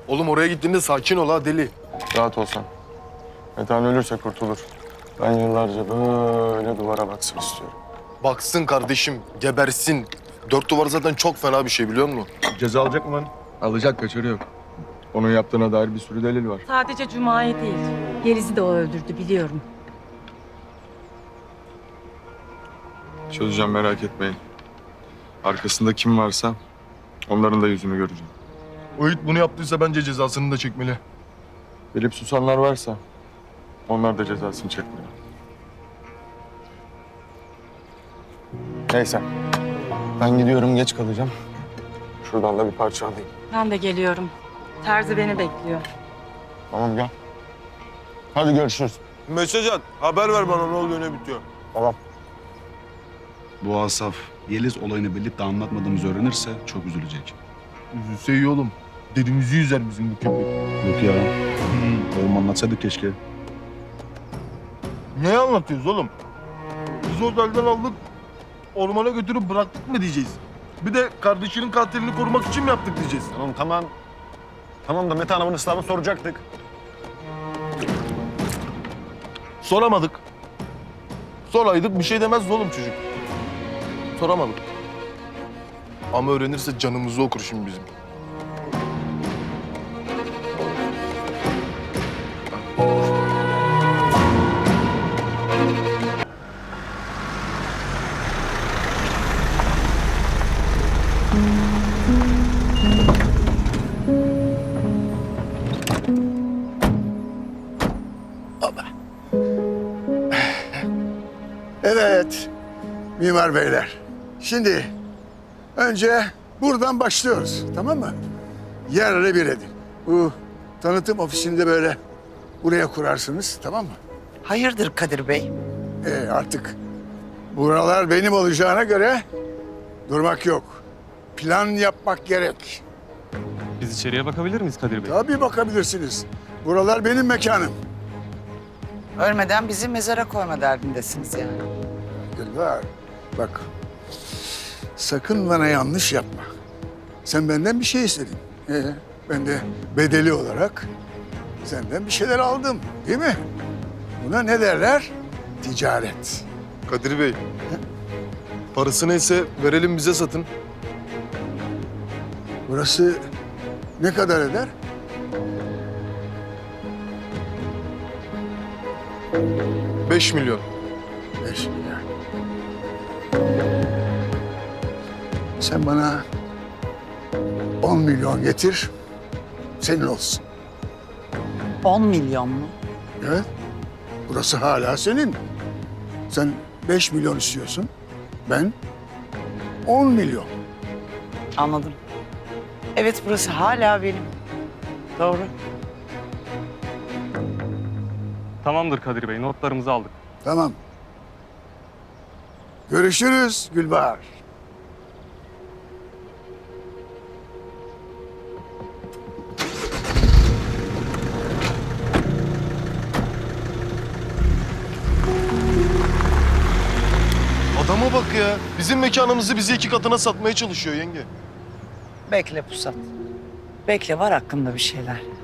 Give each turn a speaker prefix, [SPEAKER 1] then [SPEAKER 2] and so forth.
[SPEAKER 1] Oğlum oraya gittiğinde sakin ol ha deli.
[SPEAKER 2] Rahat olsan. Metehan ölürse kurtulur. Ben yıllarca böyle duvara baksın istiyorum.
[SPEAKER 1] Baksın kardeşim, gebersin. Dört duvar zaten çok fena bir şey biliyor musun?
[SPEAKER 2] Ceza alacak mı lan? Alacak, kaçarı yok. Onun yaptığına dair bir sürü delil var.
[SPEAKER 3] Sadece Cuma'yı değil, Yeliz'i de o öldürdü biliyorum.
[SPEAKER 2] Çözeceğim, merak etmeyin. Arkasında kim varsa onların da yüzünü göreceğim.
[SPEAKER 1] O it bunu yaptıysa bence cezasını da çekmeli.
[SPEAKER 2] Bilip susanlar varsa onlar da cezasını çekmeli. Neyse. Ben gidiyorum, geç kalacağım. Şuradan da bir parça alayım.
[SPEAKER 3] Ben de geliyorum. Terzi beni bekliyor.
[SPEAKER 2] Tamam, gel. Hadi görüşürüz.
[SPEAKER 1] Mesaj at, haber ver bana ne oluyor ne bitiyor.
[SPEAKER 2] Tamam.
[SPEAKER 4] Bu Asaf, Yeliz olayını bilip de anlatmadığımızı öğrenirse çok üzülecek.
[SPEAKER 1] Üzülse iyi oğlum. Derimizi yüzer bizim bu köpek.
[SPEAKER 4] Yok ya. Oğlum anlatsaydık keşke.
[SPEAKER 1] Ne anlatıyoruz oğlum? Biz otelden aldık, ormana götürüp bıraktık mı diyeceğiz? Bir de kardeşinin katilini korumak için mi yaptık diyeceğiz?
[SPEAKER 5] Tamam. Tamam da Mete Hanım'ın ıslahını soracaktık.
[SPEAKER 1] Soramadık. Soraydık bir şey demezdi oğlum çocuk. Soramadık. Ama öğrenirse canımızı okur şimdi bizim.
[SPEAKER 6] Evet, mimar beyler. Şimdi önce buradan başlıyoruz, tamam mı? Yerle bir edin. Bu tanıtım ofisinde böyle buraya kurarsınız, tamam mı?
[SPEAKER 7] Hayırdır Kadir Bey?
[SPEAKER 6] Artık buralar benim olacağına göre durmak yok. Plan yapmak gerek.
[SPEAKER 8] Biz içeriye bakabilir miyiz Kadir Bey?
[SPEAKER 6] Tabii bakabilirsiniz. Buralar benim mekanım.
[SPEAKER 7] Ölmeden bizi mezara koyma derdindesiniz yani.
[SPEAKER 6] Gülbar, bak. Sakın bana yanlış yapma. Sen benden bir şey istedin. Ben de bedeli olarak senden bir şeyler aldım, değil mi? Buna ne derler? Ticaret.
[SPEAKER 1] Kadir Bey, parası neyse verelim bize satın.
[SPEAKER 6] Burası ne kadar eder?
[SPEAKER 1] Beş milyon.
[SPEAKER 6] 5 milyar. Sen bana 10 milyon getir, senin olsun.
[SPEAKER 7] 10 milyon mu?
[SPEAKER 6] Evet, burası hala senin. Sen 5 milyon istiyorsun, ben 10 milyon.
[SPEAKER 7] Anladım. Evet burası hala benim. Doğru.
[SPEAKER 8] Tamamdır Kadir Bey, notlarımızı aldık.
[SPEAKER 6] Tamam. Görüşürüz Gülbahar.
[SPEAKER 1] Adama bak ya. Bizim mekanımızı bize 2 katına satmaya çalışıyor yenge.
[SPEAKER 7] Bekle Pusat. Bekle var hakkında bir şeyler.